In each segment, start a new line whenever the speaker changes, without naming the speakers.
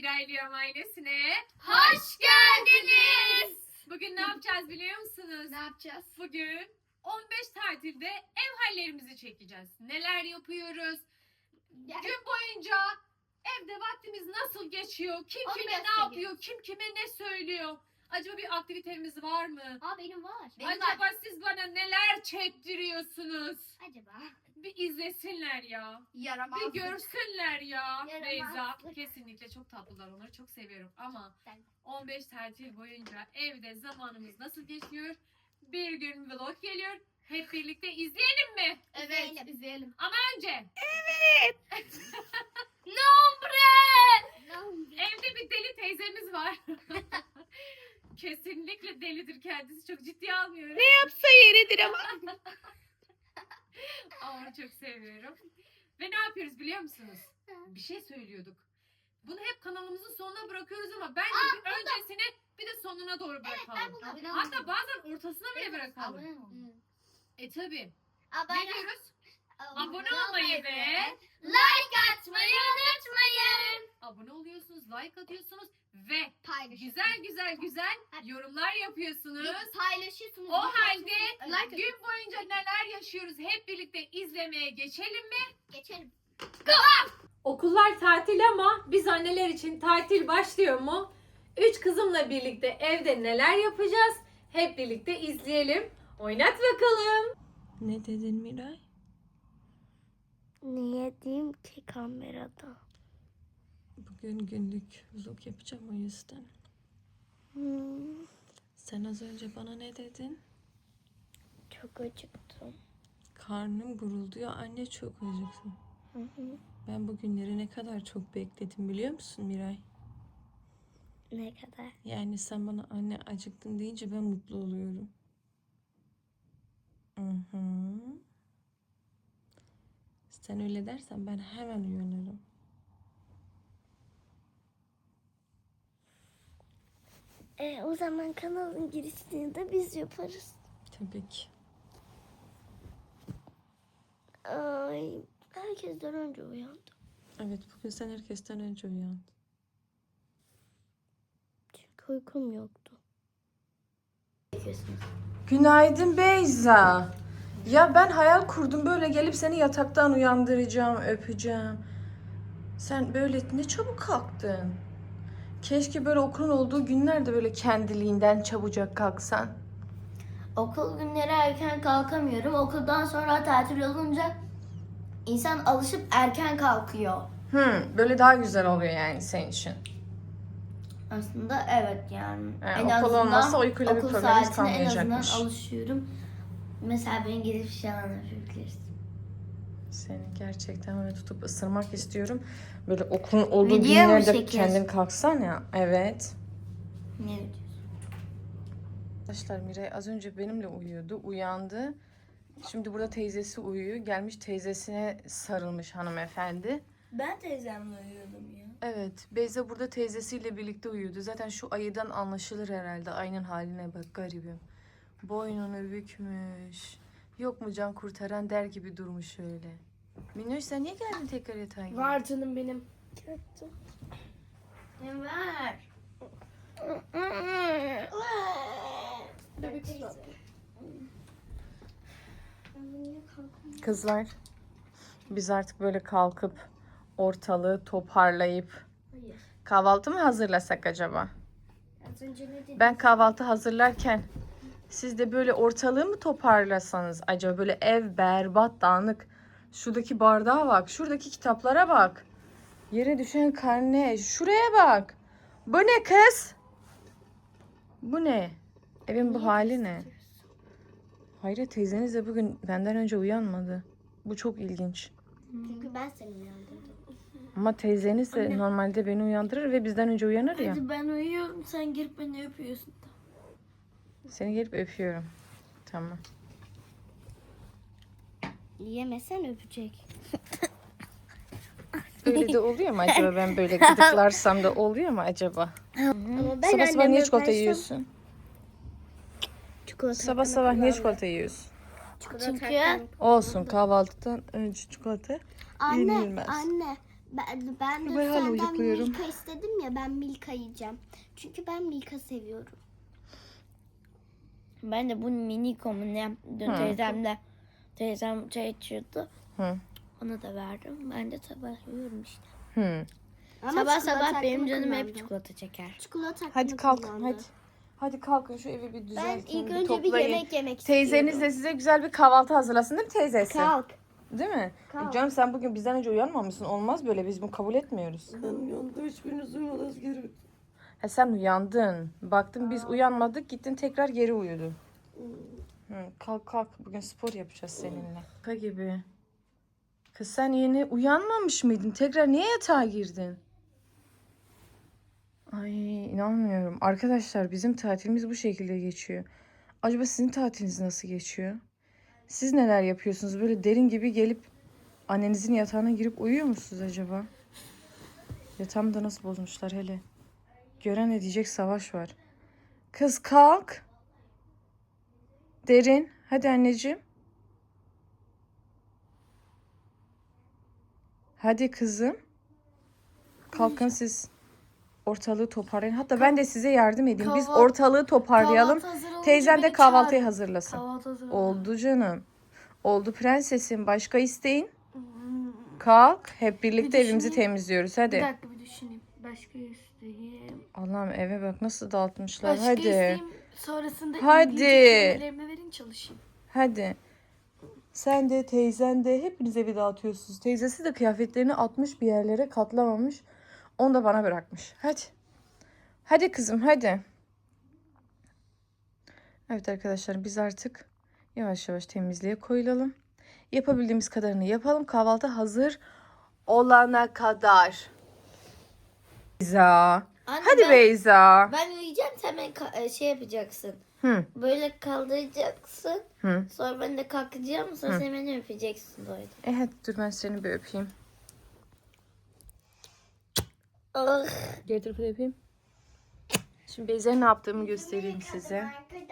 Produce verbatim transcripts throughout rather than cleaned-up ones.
Miraylıyam ailesine
Hoş geldiniz.
Bugün ne yapacağız biliyor musunuz?
Ne yapacağız?
Bugün on beş tatilde ev hallerimizi çekeceğiz. Neler yapıyoruz?
Yani,
Gün boyunca evde vaktimiz nasıl geçiyor? Kim
Onu
kime ne
gösteriyoruz.
yapıyor? Kim kime ne söylüyor? Acaba bir aktivitemiz var mı?
aa benim var. Benim
Acaba
var.
siz bana neler çektiriyorsunuz?
Acaba?
Bir izlesinler ya.
Yaramazlık.
Bir görsünler ya.
Yaramazlık.
Beyza kesinlikle çok tatlılar, onları çok seviyorum ama
Ben-
on beş tatil boyunca evde zamanımız nasıl geçiyor? Bir gün vlog geliyor. Hep birlikte izleyelim mi?
Evet. İzleyelim. İzleyelim.
Ama önce
Nombre.
evde bir deli teyzemiz var. Kesinlikle delidir kendisi. Çok ciddiye almıyorum.
Ne yapsa yeridir ama.
Ama onu çok seviyorum. Ve ne yapıyoruz biliyor musunuz? Bir şey söylüyorduk. Bunu hep kanalımızın sonuna bırakıyoruz ama bence bir öncesine bir de sonuna doğru bırakalım.
Abone
Hatta
olun.
bazen ortasına bile bırakalım.
Abone olun.
E tabi.
Abone,
Ne diyoruz? Abone olmayı ve
like atmayı unutmayın.
abone oluyorsunuz, like atıyorsunuz ve
Paylaşın.
güzel güzel güzel yorumlar yapıyorsunuz.
Paylaşıyorsunuz.
O halde
like
gün boyunca neler yaşıyoruz hep birlikte izlemeye geçelim mi?
geçelim.
Okullar tatil ama biz anneler için tatil başlıyor mu? Üç kızımla birlikte evde neler yapacağız? Hep birlikte izleyelim. Oynat bakalım.
Ne dedin Miray?
Niye diyeyim ki kamerada?
Bugün günlük vlog yapacağım o yüzden.
Hmm,
Sen az önce bana ne dedin?
çok acıktım.
Karnım gurulduyor. Anne çok acıktım.
Hı hı.
Ben bu günleri ne kadar çok bekledim biliyor musun Miray?
Ne kadar?
Yani sen bana anne acıktın deyince ben mutlu oluyorum. Hı hı. Sen öyle dersen ben hemen uyanırım.
E, o zaman kanalın girişini de biz yaparız.
Tabii ki.
Ay, herkesten önce uyandım.
Evet, bugün sen herkesten önce uyandın.
Çünkü uykum yoktu.
Günaydın Beyza. Ya ben hayal kurdum, böyle gelip seni yataktan uyandıracağım, öpeceğim. Sen böyle ne çabuk kalktın. Keşke böyle okulun olduğu günlerde böyle kendiliğinden çabucak kalksan.
Okul günleri erken kalkamıyorum. Okuldan sonra tatil olunca insan alışıp erken kalkıyor.
Hmm, böyle daha güzel oluyor yani senin için.
Aslında evet yani.
Yani okul olmazsa uykuyla bir
okul
problemimiz
saatine en azından
kalmayacakmış.
alışıyorum. Mesela beni gidip falan yapabilirsin.
Seni gerçekten böyle tutup ısırmak istiyorum. Böyle okulun olduğu
Video mu
günlerde
çekiyorsun?
kendin kalksan ya. Evet.
Ne diyorsun?
Arkadaşlar Miray az önce benimle uyuyordu. Uyandı. Şimdi burada teyzesi uyuyor. Gelmiş teyzesine sarılmış hanımefendi.
Ben teyzemle uyuyordum ya.
Evet. Beyza burada teyzesiyle birlikte uyuyordu. Zaten şu ayıdan anlaşılır herhalde. Ayının haline bak garibim. Boynunu bükmüş. Yok mu can kurtaran der gibi durmuş öyle. Minnoş sen niye geldin tekrar yatağa?
Var canım benim.
Ne var?
Bebek su.
Kızlar, biz artık böyle kalkıp ortalığı toparlayıp
Hayır.
kahvaltı mı hazırlasak acaba?
Az önce ne dedin?
Ben kahvaltı hazırlarken siz de böyle ortalığı mı toparlasanız acaba? Böyle ev berbat, dağınık. Şuradaki bardağa bak, şuradaki kitaplara bak. Yere düşen karne, şuraya bak. Bu ne kız? Bu ne? Evin bu hali ne? Hayır, teyzeniz de bugün benden önce uyanmadı. Bu çok ilginç.
Çünkü ben seni uyandırdım.
Ama teyzeniz de normalde beni uyandırır ve bizden önce uyanır ya.
Hadi ben uyuyorum, sen girip beni öpüyorsun.
Seni gelip öpüyorum. Tamam.
Yemesen öpecek.
Öyle de oluyor mu acaba? Ben böyle gıdıklarsam da oluyor mu acaba?
Ama ben
Sabah sabah niye
anneme
çikolata
versem-
yiyorsun?
Çikolata
Sabah sabah niye çikolata yiyorsun?
Çünkü
Olsun, kahvaltıdan önce çikolata
anne,
yenilmez.
anne Ben, ben de
Ben hala
senden
uyukluyorum.
Milka istedim ya, ben Milka yiyeceğim. Çünkü ben Milka seviyorum.
Ben de bu mini komune dün
Hı.
teyzemle teyzem çay içiyordu.
Hı.
Ona da verdim. Ben de sabah yiyorum işte.
Hı.
Ama
sabah
çikolata
sabah benim
hakkımı
canım hep
kullandım.
çikolata çeker.
Çikolata
Hadi
hakkımı
kalk
kullandı.
hadi. Hadi kalkın şu evi bir
Ben
düzeltin.
ilk
bir
önce bir
toplayın.
yemek yemek
Teyzeniz
istiyorum.
de size güzel bir kahvaltı hazırlasın değil mi teyzesi?
Kalk.
Değil mi?
Kalk.
E canım sen bugün bizden önce uyanmamışsın. Olmaz böyle. Biz bunu kabul etmiyoruz.
Ben uyandım, hiçbiriniz uyumadınız geri.
Ha, sen uyandın. Baktın biz uyanmadık. Gittin tekrar geri uyudun. Hı, kalk kalk. Bugün spor yapacağız seninle. Şaka gibi. Kız sen yeni uyanmamış mıydın? Tekrar niye yatağa girdin? Ay inanmıyorum. Arkadaşlar bizim tatilimiz bu şekilde geçiyor. Acaba sizin tatiliniz nasıl geçiyor? Siz neler yapıyorsunuz? Böyle derin gibi gelip annenizin yatağına girip uyuyor musunuz acaba? Yatağımı da nasıl bozmuşlar hele. Gören ne diyecek, savaş var. Kız kalk. Derin. Hadi anneciğim. Hadi kızım. Kalkın siz. Ortalığı toparlayın. Hatta ben de size yardım edeyim. Biz
Kahvaltı-
ortalığı toparlayalım.
Kahvaltı hazır olunca
Teyzem de
beni
kahvaltıyı
çağır.
hazırlasın.
Kahvaltı hazır olunca.
Oldu canım. Oldu prensesim. Başka isteğin? Kalk. Hep birlikte
Bir
evimizi
düşüneyim.
temizliyoruz.
Bir
Hadi.
dakika bir düşüneyim. Başka isteğim.
Allah'ım eve bak nasıl dağıtmışlar.
Başka
Hadi.
isteğim sonrasında
Hadi.
İngilizce kelimelerime verin çalışayım.
Hadi. Sen de teyzen de hepiniz evi dağıtıyorsunuz. Teyzesi de kıyafetlerini atmış bir yerlere, katlamamış. Onu da bana bırakmış. Hadi. Hadi kızım hadi. Evet arkadaşlar biz artık yavaş yavaş temizliğe koyulalım. Yapabildiğimiz kadarını yapalım. Kahvaltı hazır olana kadar. Beyza.
Anne,
Hadi
ben,
Beyza.
ben uyuyacağım, sen beni ka- şey yapacaksın.
Hı.
Böyle kaldıracaksın.
Hı.
Sonra ben de kalkacağım. Sonra
Hı.
sen beni öpeceksin böyle.
E hadi dur ben seni bir öpeyim.
Ah.
Diğer tarafı da yapayım. Şimdi Beyza'ya ne yaptığımı göstereyim size.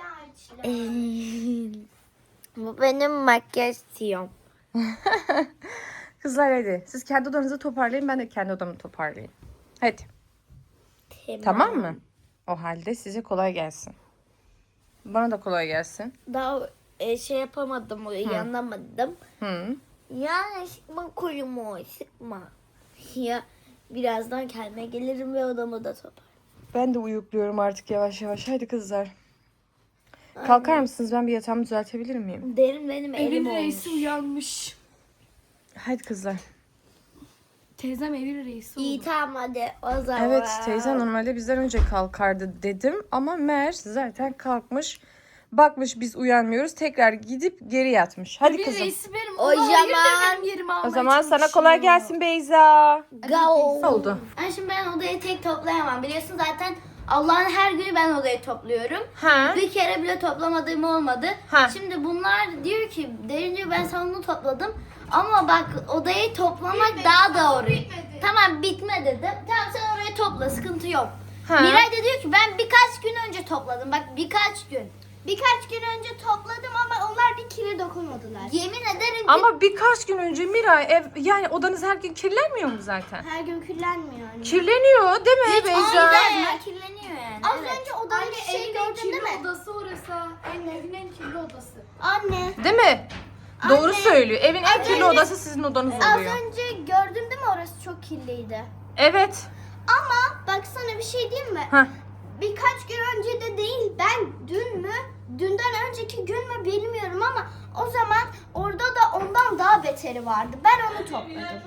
Bu benim makyaj tiyom.
Kızlar hadi. Siz kendi odanızı toparlayın. Ben de kendi odamı toparlayayım. Hadi. Tamam mı? O halde size kolay gelsin. Bana da kolay gelsin.
Daha e, şey yapamadım, uyanamadım.
Hı.
Ya sıkma kolumu, sıkma. Ya birazdan kendime gelirim ve odamı da toplar.
Ben de uyukluyorum artık yavaş yavaş. Hadi kızlar. Kalkar mısınız? Ben bir yatağımı düzeltebilir miyim?
Derin benim elim
Evin
olmuş.
reisi uyanmış.
Hadi kızlar.
Teyzem evin reisi oldu.
İyi tamam hadi o zaman.
Evet teyze normalde bizden önce kalkardı dedim. Ama meğer zaten kalkmış. Bakmış biz uyanmıyoruz. Tekrar gidip geri yatmış. Haydi
Evin
kızım.
reisi benim.
O
O hayırdır
zaman-
benim yerimi almaya
O zaman sana
çalışıyor.
kolay gelsin Beyza.
Go.
Ne oldu?
Yani şimdi ben odayı tek toplayamam. Biliyorsun zaten Allah'ın her günü ben odayı topluyorum.
Ha?
Bir kere bile toplamadığım olmadı.
Ha.
Şimdi bunlar diyor ki derince ben salonu topladım. Ama bak odayı toplamak daha doğru. Tamam bitme dedim. Tamam sen orayı topla, sıkıntı yok.
Ha.
Miray da diyor ki ben birkaç gün önce topladım. Bak birkaç gün.
Birkaç gün önce topladım ama onlar bir kire dokunmadılar.
Yemin ederim ki
Ama birkaç gün önce Miray ev yani odanız her gün kirlenmiyor mu zaten?
Her gün kirlenmiyor anne.
Kirleniyor değil mi Beyza?
güzel kirleniyor yani.
Az
Evet.
önce odanın
Anne
şeyi
evin en
gördün değil
kirli
mi?
odası orası. Anne evin en kirli odası.
Anne.
Değil mi? Doğru söylüyor. Evin en kirli
önce-
odası sizin odanız
Az
oluyor.
önce gördün değil mi, orası çok kirliydi.
Evet.
Ama bak sana bir şey diyeyim mi?
Heh.
Birkaç gün önce de değil, ben dün mü, dünden önceki gün mü bilmiyorum ama o zaman orada da ondan daha beteri vardı. Ben onu topladım.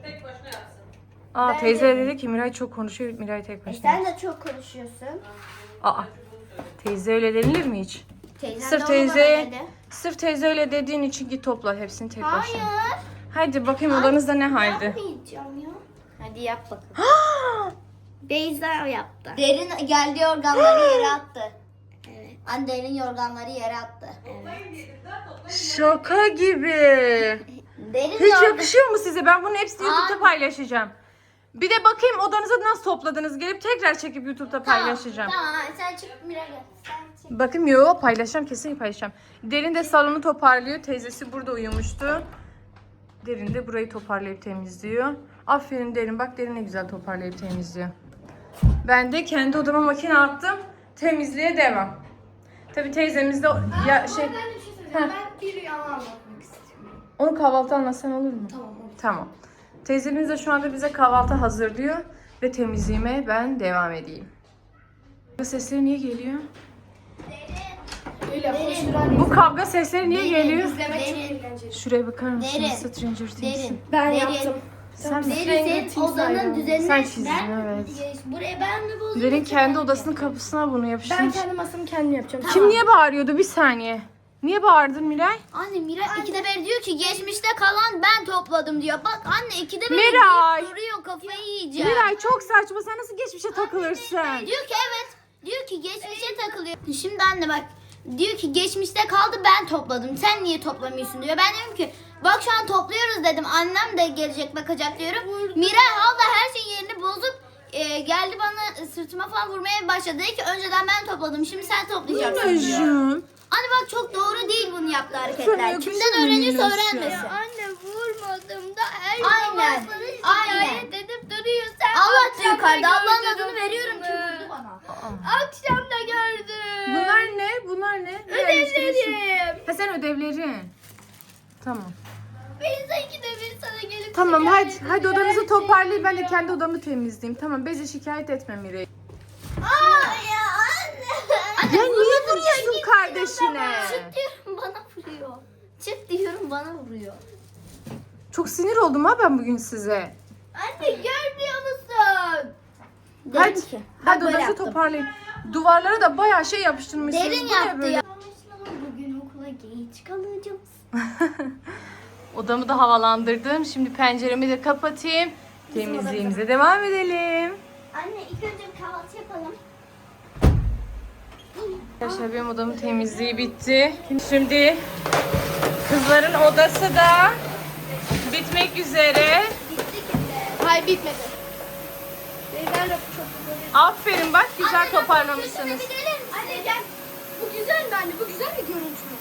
Aa teyze dedi ki Miray çok konuşuyor. Miray tek
E
başına.
sen de çok konuşuyorsun.
Aa. Teyze öyle denilir mi hiç?
Teyzem
Sırf
de onu
teyze-
bana dedi.
Sırf teyze öyle dediğin için git topla hepsini tek başına.
Hayır.
Hadi bakayım odanızda ne halde?
Yapmayacağım ya.
Hadi yap bakalım.
Beyza yaptı.
Derin geldi yorganları yere attı. Evet. Anne derin yorganları yere attı.
Şaka gibi.
Derin
Hiç
yorgan...
yakışıyor mu size? Ben bunun hepsini
Aa.
YouTube'da paylaşacağım. Bir de bakayım odanızı nasıl topladınız. Gelip tekrar çekip YouTube'da paylaşacağım.
Tamam sen çık Mira gel. Sen çık.
Bakayım yo paylaşacağım kesin paylaşacağım. Derin de salonu toparlıyor. Teyzesi burada uyumuştu. Derin de burayı toparlayıp temizliyor. Aferin Derin. Bak Derin ne güzel toparlayıp temizliyor. Ben de kendi odama makine attım. Temizliğe devam. Tabii teyzemiz de ya şey...
Ben bir şey söyleyeceğim. Ben bir rüyamı anlatmak istiyorum.
Onu kahvaltı anlatsan olur mu?
Tamam olur.
Tamam. Teyzemiz de şu anda bize kahvaltı hazırlıyor ve temizliğime ben devam edeyim. Bu sesleri niye geliyor?
Öyle koşturan
Bu kavga sesleri niye geliyor?
izlemek çok
Derin.
eğlenceli.
Şuraya bakar mısın?
Derin.
Stranger Things.
Derin.
Ben
Derin.
yaptım.
Sen mi?
Derin senin odanın düzenine
Sen çizdin,
ben
evet.
buraya ben mi bozdum?
Derin
yoksa
kendi
ben mi?
odasının kapısına bunu
Ben
yapıştırmış.
kendi masamı kendim yapacağım.
Kim niye bağırıyordu? Bir saniye. Niye bağırdın Miray?
Anne Miray ikide bir diyor ki geçmişte kalan ben topladım diyor. Bak anne ikide bir
Miray!
deyip duruyor kafayı yiyeceğim.
Miray çok saçma. Sen nasıl geçmişe takılırsın?
Diyor ki evet. Diyor ki geçmişe takılıyor. Şimdi anne bak. Diyor ki geçmişte kaldı ben topladım. Sen niye toplamıyorsun diyor. Ben diyorum ki bak şu an topluyoruz dedim. Annem de gelecek bakacak diyorum. Miray abla her şeyin yerini bozup e, geldi bana sırtıma falan vurmaya başladı. Dedi ki önceden ben topladım. Şimdi sen toplayacaksın diyor.
Minacığım.
Anne bak çok doğru değil bunu yaptığı
Sana
hareketler.
yakışır
Kimden
mı
öğreniyorsa
Minnoş ya?
öğrenmesin.
Anne vurmadım da her
Aynen.
zaman bana
Aynen.
şikayet edip duruyor. Sen
Allah
akşam
diyor yukarıda.
da
Allah'ın
gördün
adını
mü?
veriyorum ki vurdu bana.
Akşam da gördüm.
Bunlar ne? Bunlar ne? Ne yerleştiriyorsun?
Ödevlerim.
Ha sen ödevlerin. Tamam.
Biz ikide bir sana gelip
Tamam hadi
şikayet
hadi
ediyor.
odanızı toparlayın ben de kendi odamı temizleyeyim. Tamam Beze şikayet etme Miray.
Aa ya anne.
Ya niye vuruyorsun kardeşine?
Çık diyorum bana vuruyor. Çık diyorum bana vuruyor.
Çok sinir oldum ha ben bugün size.
Anne görmüyor musun?
Hadi,
ki.
hadi
böyle
odası
yaptım.
toparlayın. Duvarlara da bayağı şey yapıştırmışsınız.
Derin
Bu ne
yaptı
böyle?
ya.
Bugün okula geç kalacağım.
Odamı da havalandırdım. Şimdi penceremi de kapatayım. Temizliğimize devam edelim.
Anne ilk önce bir kahvaltı yapalım.
Arkadaşlar benim odamın temizliği bitti. Şimdi kızların odası da bitmek üzere.
Hayır bitmedi. Beyler de çok güzel.
Aferin bak güzel toparlamışsınız.
Anne gel. Bu güzel mi anne? Bu güzel bir görüntü mü?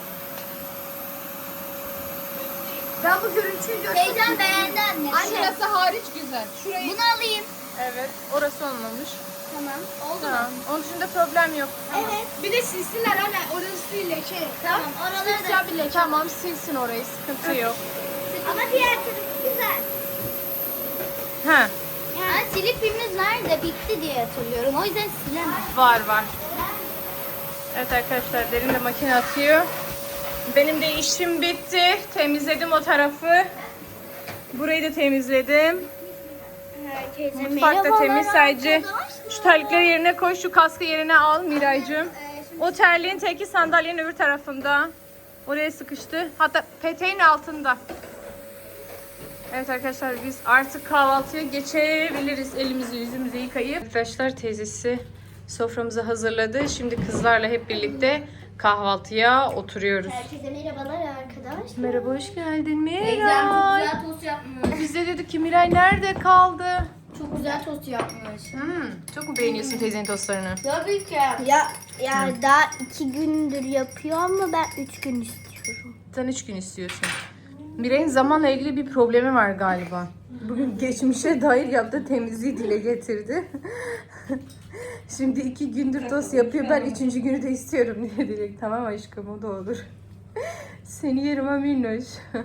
Ben bu görüntüyü gördüm.
Teyzem beğendi anne.
Şurası hariç güzel. Şurayı
Bunu alayım.
Evet orası olmamış.
Tamam. Oldu mu?
Tamam. Onun dışında problem yok.
evet. Bir de silsinler anne. Orası leke.
Tamam. Oraları da.
Tamam silsin orayı sıkıntı yok.
Ama diğer tarafı güzel.
Ha
Yani silip filmimiz nerede? Bitti diye hatırlıyorum. O yüzden silemem.
var var. Evet arkadaşlar Derin de makine atıyor. Benim de işim bitti. Temizledim o tarafı. Burayı da temizledim.
Herkese
Mutfak da temiz sadece. Şu terlikleri yerine koy, şu kaskı yerine al Miraycığım. O terliğin teki sandalyenin öbür tarafında. Oraya sıkıştı. Hatta peteğin altında. Evet arkadaşlar biz artık kahvaltıya geçebiliriz. Elimizi yüzümüzü yıkayıp. Arkadaşlar teyzesi soframızı hazırladı. Şimdi kızlarla hep birlikte kahvaltıya oturuyoruz.
Herkese merhabalar arkadaşlar.
Merhaba hoş geldin
Teyzem çok
Miray.
güzel tost yapmış.
Biz de dedik ki Miray nerede kaldı?
Çok güzel tost yapmış.
Hmm, çok mu beğeniyorsun teyzenin tostlarını?
Tabii ki.
Ya ya daha iki gündür yapıyor ama ben üç gün istiyorum.
Sen üç gün istiyorsun. Miray'ın zamanla ilgili bir problemi var galiba. Bugün geçmişe dair yaptığı temizliği dile getirdi. Şimdi iki gündür tost yapıyor. Ben üçüncü günü de istiyorum diye direkt. Tamam aşkım o da olur. Seni yerim ha minnoş.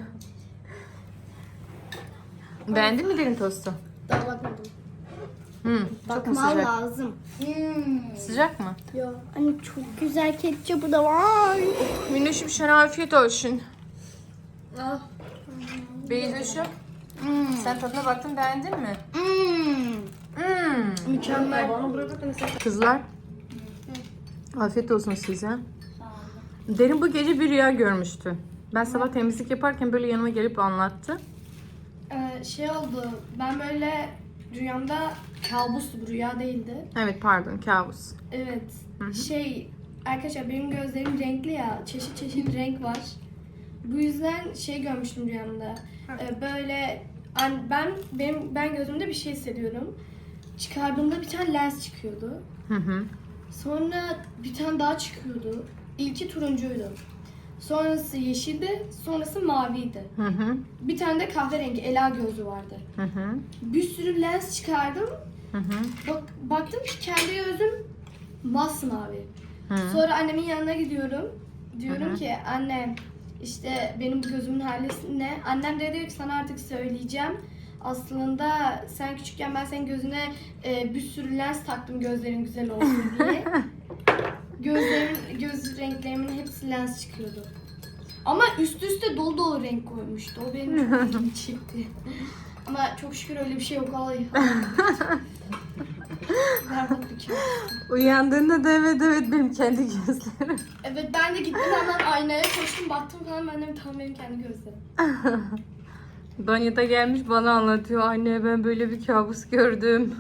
Beğendin mi derin tostu?
Daha bakmadım.
Hmm, çok mu
Bakman
sıcak?
lazım.
Sıcak mı?
Ya hani çok güzel ketçapı da var.
Minnoşum sana afiyet olsun. Beyzoşum. Sen tadına baktın beğendin mi?
Hmm.
Hmm.
Mükemmel.
Kızlar. Afiyet olsun size. Derin bu gece bir rüya görmüştü. Ben sabah temizlik yaparken böyle yanıma gelip anlattı.
Ee, şey oldu. Ben böyle rüyamda kabustu, bu rüya değildi.
Evet pardon kabus.
Evet.
Hı hı.
Şey arkadaşlar benim gözlerim renkli ya. Çeşit çeşit renk var. Bu yüzden şey görmüştüm rüyamda. Ee, böyle an- ben benim ben gözümde bir şey hissediyorum. Çıkardığımda bir tane lens çıkıyordu.
Hı hı.
Sonra bir tane daha çıkıyordu. İlki turuncuydu. sonrası yeşildi, sonrası maviydi.
Hı hı.
Bir tane de kahverengi ela gözü vardı.
Hı hı.
Bir sürü lens çıkardım.
Hı hı.
Bak, baktım ki kendi gözüm masmavi.
Hı.
Sonra annemin yanına gidiyorum. Diyorum
Hı hı.
ki anne işte benim bu gözümün hali ne? Annem de diyor ki sana artık söyleyeceğim. Aslında sen küçükken ben senin gözüne e, bir sürü lens taktım gözlerin güzel olsun diye. Gözlerimin, göz renklerimin hepsi lens çıkıyordu. Ama üst üste dolu dolu renk koymuştu. O benim çok ilgimi çekti. Ama çok şükür öyle bir şey yok. Ay. Berbat bir kabus.
Uyandığında da evet evet benim kendi gözlerim.
Evet ben de gittim hemen aynaya koştum baktım falan ben de tam benim kendi gözlerim.
Banyoda gelmiş bana anlatıyor. Anne ben böyle bir kabus gördüm.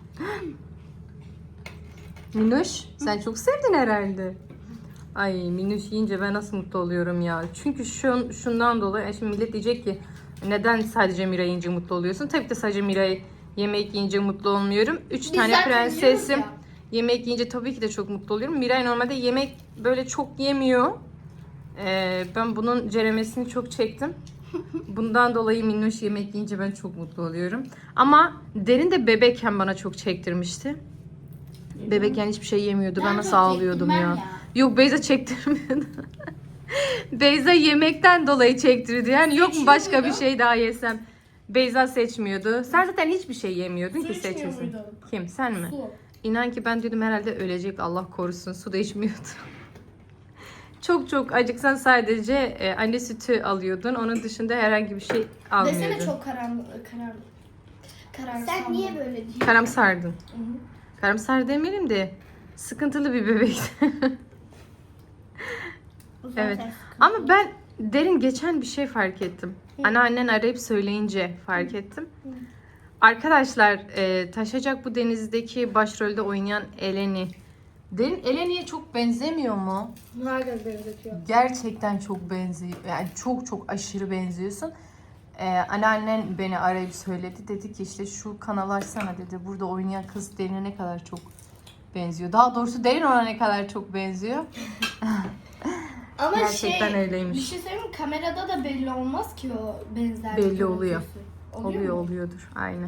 Minuş sen çok sevdin herhalde. Ay Minuş yiyince ben nasıl mutlu oluyorum ya. Çünkü şun, şundan dolayı e şimdi millet diyecek ki neden sadece Miray yiyince mutlu oluyorsun? Tabii ki de sadece Miray yemek yiyince mutlu olmuyorum. Üç
Biz
tane
zaten
prensesim.
yiyoruz
Yemek yiyince tabii ki de çok mutlu oluyorum. Miray normalde yemek böyle çok yemiyor. Ee, ben bunun ceremesini çok çektim. Bundan dolayı Minnoş yemek yiyince ben çok mutlu oluyorum. Ama Derin de bebekken bana çok çektirmişti. Bebekken hiçbir şey yemiyordu. Ben,
Ben
nasıl
çok
ağlıyordum ya.
çektirmem ya.
Yok Beyza çektirmiyordu. Beyza yemekten dolayı çektirdi. Yani yok mu başka bir şey daha yesem. Beyza seçmiyordu. Sen zaten hiçbir şey yemiyordun
Su
ki
içmiyor
seçesin.
muydun?
Kim sen mi?
Su.
İnan ki ben diyordum herhalde ölecek Allah korusun. Su da içmiyordu. Çok çok acıksan sadece e, anne sütü alıyordun. Onun dışında herhangi bir şey almıyordun.
Desene çok karanlık karar karar.
Sen niye böyle diyorsun?
Karamsardın. Karamsar demeyelim de sıkıntılı bir bebekti. Evet. Ama ben Derin geçen bir şey fark ettim. Anneannen arayıp söyleyince fark ettim. Arkadaşlar e, Taşacak bu denizdeki başrolde oynayan Eleni. Derin Eleni'ye çok benzemiyor mu?
Herkes benzetiyor.
Gerçekten çok benziyor. Yani çok çok aşırı benziyorsun. Ee, anneannen beni arayıp söyledi. Dedi ki işte şu kanalı açsana dedi. Burada oynayan kız Derin'e ne kadar çok benziyor. Daha doğrusu Derin ona ne kadar çok benziyor.
Ama
Gerçekten
şey,
öyleymiş.
bir şey söyleyeyim mi? Kamerada da belli olmaz ki o benzer.
Belli oluyor.
Oluyor,
Oluyor
mu?
oluyordur. Aynen.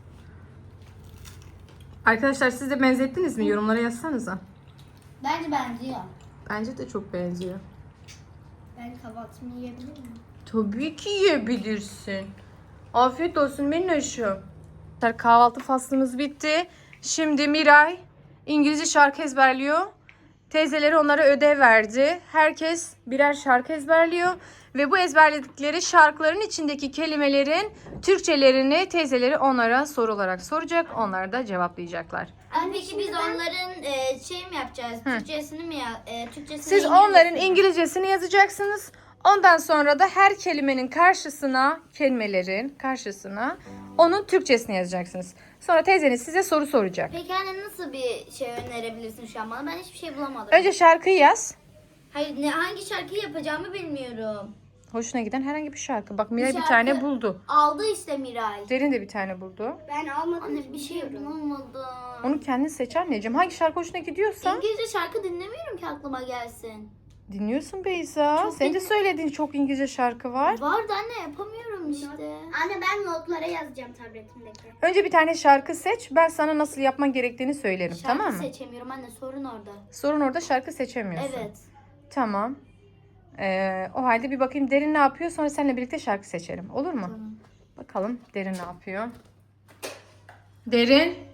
Arkadaşlar siz de benzettiniz mi? Yorumlara yazsanıza.
Bence benziyor.
Bence de çok benziyor.
Ben kahvaltımı yiyebilir miyim?
Tabii ki yiyebilirsin. Afiyet olsun Minnoş'um. Kahvaltı faslımız bitti. Şimdi Miray İngilizce şarkı ezberliyor. Teyzeleri onlara ödev verdi. Herkes birer şarkı ezberliyor. Ve bu ezberledikleri şarkıların içindeki kelimelerin Türkçelerini teyzeleri onlara soru olarak soracak. Onlar da cevaplayacaklar.
Anne peki biz onların e, şey mi yapacağız? Türkçesini mi ya? E, Türkçesini
Siz
İngilizcesini
onların
mi?
İngilizcesini yazacaksınız. Ondan sonra da her kelimenin karşısına, kelimelerin karşısına onun Türkçesini yazacaksınız. Sonra teyzeniz size soru soracak.
Peki anne nasıl bir şey önerebilirsin şu an bana? Ben hiçbir şey bulamadım.
Önce şarkıyı yaz.
Hayır ne hangi şarkıyı yapacağımı bilmiyorum.
Hoşuna giden herhangi bir şarkı. Bak Miray bir,
şarkı-
tane buldu.
Aldı işte Miray.
Derin de bir tane buldu.
Ben almadım.
Anne bir şey bulamadım.
Onu kendin seç anneciğim. Hangi şarkı hoşuna gidiyorsa
İngilizce şarkı dinlemiyorum ki aklıma gelsin.
dinliyorsun Beyza.
Çok
Senin de
dinle-
söylediğin çok İngilizce şarkı var.
Vardı anne yapamıyorum işte.
Anne ben notlara yazacağım tabletimdeki.
Önce bir tane şarkı seç. Ben sana nasıl yapman gerektiğini söylerim.
Şarkı
tamam mı?
seçemiyorum anne sorun orada.
Sorun orada şarkı seçemiyorsun.
Evet.
Tamam. Ee, o halde bir bakayım Derin ne yapıyor. Sonra seninle birlikte şarkı seçelim. Olur mu?
Tamam.
Bakalım Derin ne yapıyor. Derin.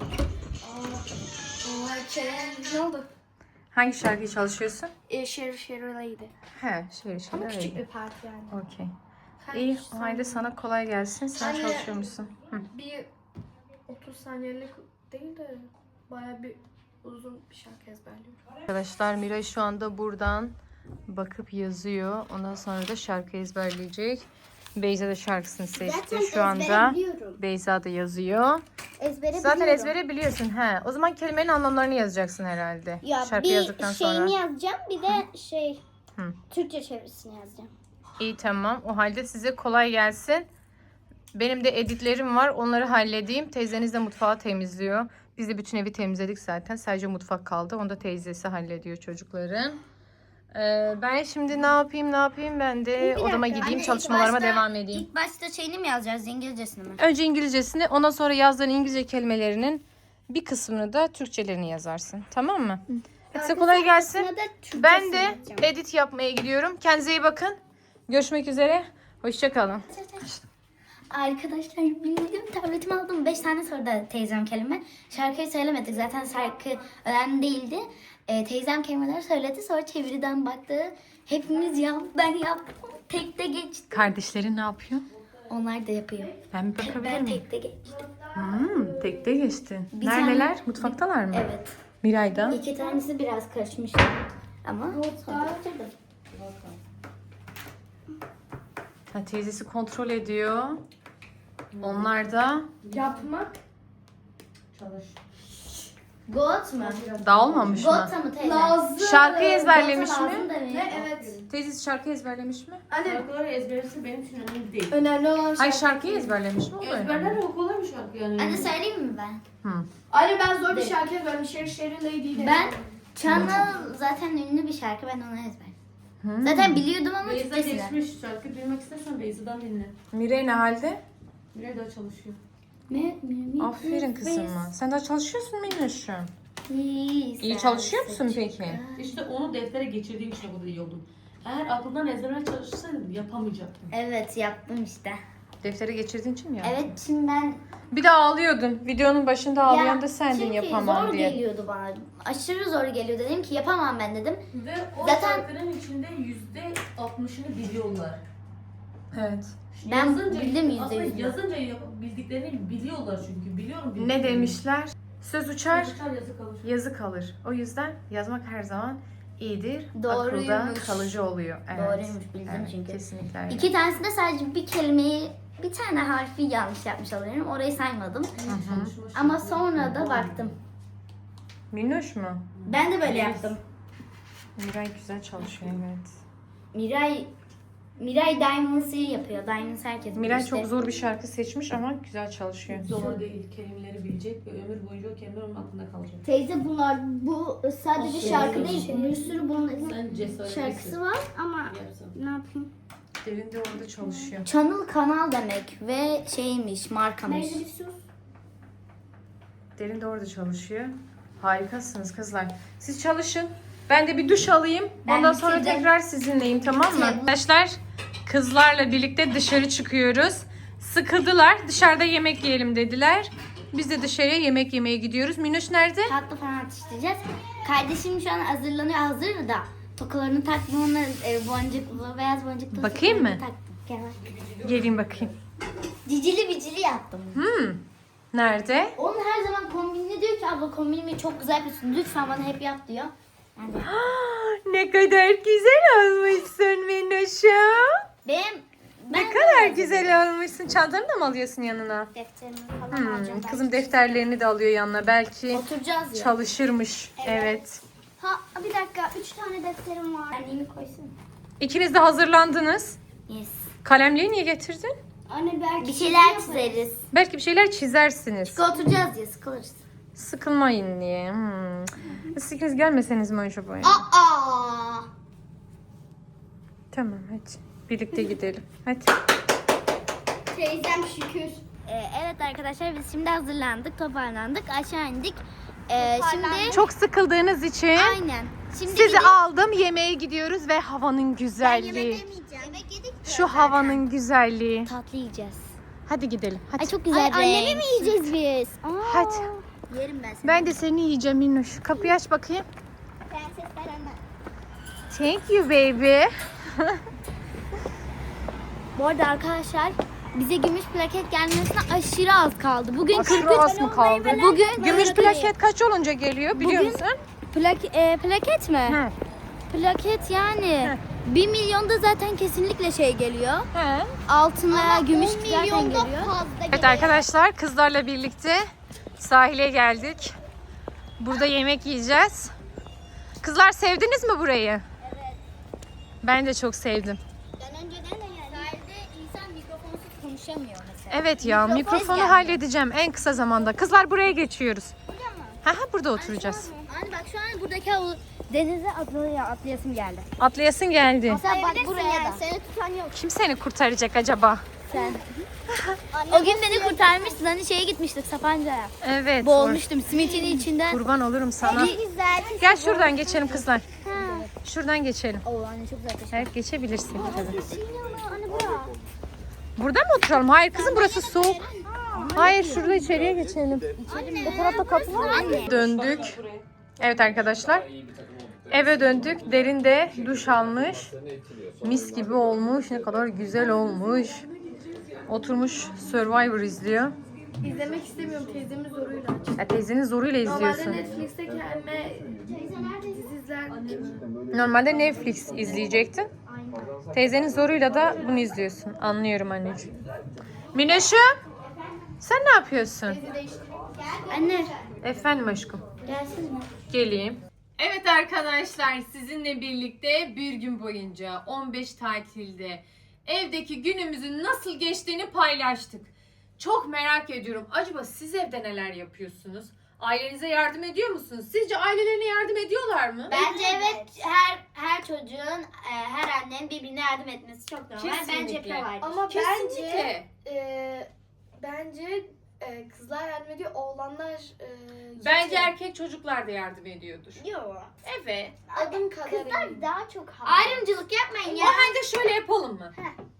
Ne oldu?
Hangi şarkıyı çalışıyorsun?
E, Şerif Şerif'leydi.
He, şöyle şöyle.
Ama küçük
öyle.
bir parti yani.
Okey. İyi, o halde sana kolay gelsin. Sen
Anne.
çalışıyormuşsun. Hı.
Bir otuz saniyelik değil de baya bir uzun bir şarkı ezberliyorum.
Arkadaşlar Miray şu anda buradan bakıp yazıyor. Ondan sonra da şarkı ezberleyecek. Beyza da şarkısını seçti.
Zaten
Şu anda
ezbere biliyorum.
Beyza da yazıyor.
Ezbere
Zaten
biliyorum.
ezbere biliyorsun. He. O zaman kelimenin anlamlarını yazacaksın herhalde.
Ya
şarkı
bir
yazdıktan
şeyini
sonra.
yazacağım bir de şey
Hı.
Türkçe çevirisini yazacağım.
İyi tamam. O halde size kolay gelsin. Benim de editlerim var. Onları halledeyim. Teyzeniz de mutfağı temizliyor. Biz de bütün evi temizledik zaten. Sadece mutfak kaldı. Onu da teyzesi hallediyor çocukların. Ee, ben şimdi ne yapayım ne yapayım ben de odama gideyim
Anne, ilk
çalışmalarıma
başta-
devam edeyim.
İlk başta şeyini mi yazacağız, İngilizcesini mi?
Önce İngilizcesini, ondan sonra yazdığın İngilizce kelimelerinin bir kısmını da Türkçelerini yazarsın. Tamam mı? Hadi size kolay gelsin.
Arkasına da Türkçesini
Ben de
yazacağım.
edit yapmaya gidiyorum. Kendinize iyi bakın. Görüşmek üzere. Hoşça kalın.
Arkadaşlar bildim tabletimi aldım. beş tane sordu teyzem kelime. Şarkıyı söylemedik. Zaten şarkı önemli değildi. Ee, teyzem kelimeleri söyledi. Sonra çeviriden baktı. Hepimiz yap, ben yaptım. Tekte geçtim.
Kardeşlerin ne yapıyor?
Onlar da yapıyor.
Ben bir bakabilir
Ben
miyim?
tekte geçtim.
Hmm, tekte geçtin.
Bir
Neredeler?
tane-
Mutfaktalar mı?
Evet.
Miray'da.
İki tanesi biraz karışmış. Ama sonra bitirdim.
Ha, teyzesi kontrol ediyor. Onlar da
Yapmak.
Got mu?
dağılmamış mı?
Got'a mı teyze?
Lazım.
Şarkı ezberlemiş
Got'a
mi?
lazım da mı?
Ne? Evet.
Teyzesi şarkı ezberlemiş mi?
Anne
Şarkıları ezberisi benim için önemli değil.
önemli olan
Hayır
şarkı.
şarkıyı ezberlemiş mi? O da
Ezberler
önemli.
o kolay bir şarkı yani.
Anne söyleyeyim mi ben?
Hı.
Anne ben zor bir şarkı yazıyorum. Sherry Sherry Lady'yle.
Ben Channel zaten ünlü bir şarkı, ben onu ezberledim.
Hı.
Zaten biliyordum ama
Beyza
Türkçesini.
geçmiş şarkı bilmek istersen Beyza'dan dinle.
Miray ne halde?
Miray daha çalışıyor.
Ne?
Aferin kızıma. Sen daha çalışıyorsun Minnoş'um.
İyi,
İyi çalışıyor musun peki?
İşte onu deftere geçirdiğim için bu da iyi oldum. Eğer aklından ezberlemeye çalışsaydım yapamayacaktım.
Evet yaptım işte.
Defteri geçirdiğin için mi yaptın?
Evet şimdi ben...
Bir de ağlıyordun. Videonun başında ağlayan da sendin
çünkü
yapamam
zor
diye.
geliyordu bana. Aşırı zor geliyordu. Dedim ki yapamam ben dedim.
Ve o
Zaten-
şarkının içinde yüzde altmışını biliyorlar.
Evet.
Ben bildim yüzde
aslında
yüzünü.
yazınca yap- bildiklerini biliyorlar çünkü. Biliyorum
Ne
bildiklerini.
demişler? Söz uçar,
Söz uçar yazı kalır.
yazı kalır. O yüzden yazmak her zaman iyidir.
Doğruymuş.
Akılda kalıcı oluyor. Evet.
Doğruymuş, bildim
Evet,
çünkü.
Kesinlikle öyle.
İki tanesinde sadece bir kelimeyi, bir tane harfi yanlış yapmış oluyorum. Orayı saymadım.
Çalışmış.
Ama sonra da baktım.
Minnoş mu?
Ben de böyle yaptım.
Miray güzel çalışıyor evet.
Miray Miray Diamonds'ı yapıyor. Diamonds herkes bilir
Miray
işte.
çok zor bir şarkı seçmiş ama güzel çalışıyor.
Zor değil. Kelimeleri bilecek ve ömür boyunca o kelimeler onun aklında kalacak.
Teyze bunlar bu sadece
Aferin.
şarkı değil. Bir sürü bunun
Sen cesaretlisin.
şarkısı var ama
Yapsan.
ne yapayım?
Derin de orada çalışıyor.
Channel kanal demek ve şeymiş, markamış.
Neyse bir sus.
Derin de orada çalışıyor. Harikasınız kızlar. Siz çalışın. Ben de bir duş alayım.
Ben
Ondan sonra
bitirdim.
tekrar sizinleyim tamam mı?
Bitirdim.
Arkadaşlar kızlarla birlikte dışarı çıkıyoruz. Sıkıldılar. Dışarıda yemek yiyelim dediler. Biz de dışarıya yemek yemeye gidiyoruz. Minnoş nerede?
Tatlı falan atıştıracağız. Kardeşim şu an hazırlanıyor. Hazır da tokalarını taktım, ona e, boncuklu, beyaz boncuklu
Bakayım
tokalarını
mı?
taktım. Gel bak.
Gelin bakayım.
Cicili bicili yaptım.
Hmm. Nerede?
Onun her zaman kombinini diyor ki abla kombinimi çok güzel yapıyorsun. Lütfen bana hep yap diyor. Ben de.
Ne kadar güzel olmuşsun Minnoş'um.
Benim ben
Ne kadar güzel olmuşsun. Çantanı da mı alıyorsun yanına?
Defterimi falan alacağım.
Hmm. Kızım defterlerini de alıyor yanına. Belki
oturacağız ya.
çalışırmış. Evet.
Ha bir dakika. Üç tane defterim var.
Annemi koysun.
İkiniz de hazırlandınız.
Yes.
Kalemliği niye getirdin?
Anne belki
Bir şeyler çizeriz.
Belki bir şeyler çizersiniz.
Çünkü oturacağız ya, sıkılırız.
Sıkılmayın diye. Hmm. Siz ikiniz gelmeseniz mi acaba?
Aa!
Tamam hadi. Birlikte gidelim. Hadi.
Teyzem şükür.
Ee, evet arkadaşlar biz şimdi hazırlandık, toparlandık, aşağı indik. Ee, şimdi
Çok sıkıldığınız için
aynen. Şimdi
sizi
gidip-
aldım. Yemeğe gidiyoruz ve havanın güzelliği.
Yemek yedik.
Şu havanın güzelliği.
tatlı yiyeceğiz.
Hadi gidelim. Hadi.
Ay çok güzel.
Ay annemi
renk.
mi yiyeceğiz biz? Aa.
Hadi.
Yerim ben seni.
Ben de seni yiyeceğim Minnoş. Kapıyı aç bakayım.
Prenses Beren.
Thank you baby.
Bu arada arkadaşlar bize gümüş plaket gelmesine aşırı az kaldı. Bugün
Aşırı
kırk üç
az mı kaldı?
Bugün
Gümüş plaket kaç olunca geliyor biliyor
Bugün-
musun?
Plak, e, plaket mi?
He.
Plaket yani. Bir milyonda zaten kesinlikle şey geliyor.
He.
Altın veya gümüş
on
zaten
milyonda
geliyor.
fazla
Evet
geliyor.
arkadaşlar kızlarla birlikte sahile geldik. Burada yemek yiyeceğiz. Kızlar sevdiniz mi burayı? Evet. Ben de çok sevdim.
Ben önceden de geldim.
Sahilde insan mikrofonsuz konuşamıyor mesela.
Evet ya
Mikrofon
mikrofonu
geldi.
halledeceğim en kısa zamanda. Kızlar buraya geçiyoruz. Ha ha burada oturacağız.
Anne bak şu an buradaki havu-
Denize atlaya, atlayasım geldi.
Atlayasın geldi.
Sen bak buraya da. Seni tutan yok.
Kim seni kurtaracak acaba?
Sen.
O gün beni kurtarmıştın. Hani şeye gitmiştik Sapanca'ya.
Evet.
Boğulmuştum simitin içinden.
Kurban olurum sana.
Güzel.
Gel şuradan geçelim kızlar. Şuradan geçelim.
Oo anne çok güzel.
Evet geçebilirsin tabii.
Anne bura.
Burada mı oturalım? Hayır kızım burası soğuk. Hayır şurada içeriye geçelim.
O tarafta kapı var mı?
Döndük. Evet arkadaşlar. Eve döndük. Derin de duş almış. Mis gibi olmuş. Ne kadar güzel olmuş. Oturmuş Survivor izliyor.
İzlemek istemiyorum teyzemin zoruyla açtım.
Ya teyzenin zoruyla
Normalde
izliyorsun.
Netflix'te kendime dizi izlerdim.
Normalde Netflix izleyecektin. Teyzenin zoruyla da bunu izliyorsun. Anlıyorum anneciğim. Mineş'im sen ne yapıyorsun?
Anne
Efendim aşkım.
gelsene.
Geleyim.
Evet arkadaşlar sizinle birlikte bir gün boyunca on beş tatilde evdeki günümüzün nasıl geçtiğini paylaştık. Çok merak ediyorum. Acaba siz evde neler yapıyorsunuz? Ailenize yardım ediyor musunuz? Sizce ailelerine yardım ediyorlar mı?
Bence evet her her çocuğun e, her annenin birbirine yardım etmesi çok normal. Bence
Kesinlikle.
yapıyorlar.
Ama bence
Kesinlikle.
e, bence e, kızlar yardım ediyor, oğlanlar e,
Bence
yetiyor.
erkek çocuklar da yardım ediyordur.
Yok.
Evet.
Adım kadar eminim.
Kızlar daha çok
Ayrımcılık yapmayın
O
ya.
halde şöyle yapalım mı?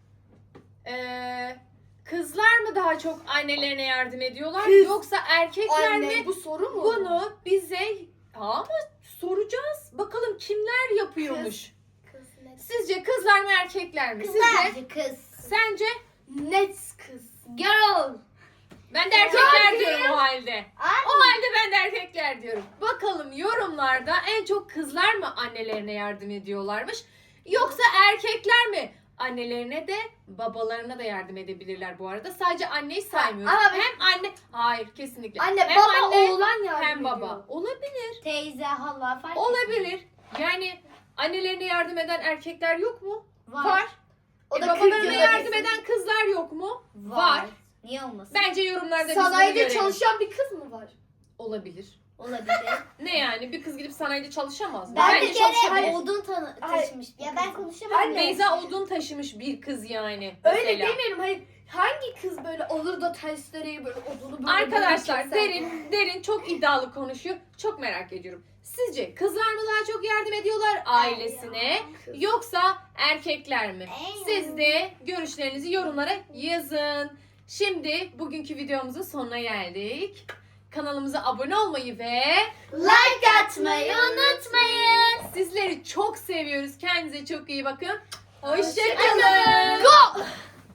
Ee, kızlar mı daha çok annelerine yardım ediyorlar
Kız.
yoksa erkekler
Anne
mi?
bu soru mu?
Bunu bize ama soracağız. Bakalım kimler yapıyormuş.
Kız net.
Sizce kızlar mı erkekler mi? Sizce?
Bence kız.
Sence?
Net kız.
Girl.
Ben de erkekler diyorum o halde. O halde ben de erkekler diyorum. Bakalım yorumlarda en çok kızlar mı annelerine yardım ediyorlarmış? Yoksa erkekler mi? Annelerine de babalarına da yardım edebilirler bu arada. Sadece anneyi saymıyoruz.
Ama ben-
Hem anne, hayır kesinlikle.
Anne
hem
baba
anne,
oğlan yardım
hem baba.
ediyor.
Olabilir.
Teyze, hala fark
Olabilir. Yani annelerine yardım eden erkekler yok mu?
Var.
O
E,
da
babalarına
kırk yılda
yardım
bir-
eden kızlar yok mu?
Var. Niye olmasın?
Bence yorumlarda biz bunu
Sanayide
görelim.
çalışan bir kız mı var?
Olabilir.
Olabilir.
Ne yani? Bir kız gidip sanayide çalışamaz mı?
Ben
Bence
bir kere
çalışabilir.
odun tanı
Hayır.
taşımış bir
Ya ben
kızım.
konuşamam.
Anne.
Beyza odun taşımış bir kız yani.
Öyle
mesela.
demiyorum, hayır. Hangi kız böyle olur da testereyi böyle odunu böyle
Arkadaşlar
böyle
derin derin çok iddialı konuşuyor. Çok merak ediyorum. Sizce kızlar mı daha çok yardım ediyorlar ailesine yoksa erkekler mi? Siz de görüşlerinizi yorumlara yazın. Şimdi bugünkü videomuzun sonuna geldik. Kanalımıza abone olmayı ve
Like atmayı unutmayın.
sizleri çok seviyoruz. Kendinize çok iyi bakın. Hoşçakalın.
Go!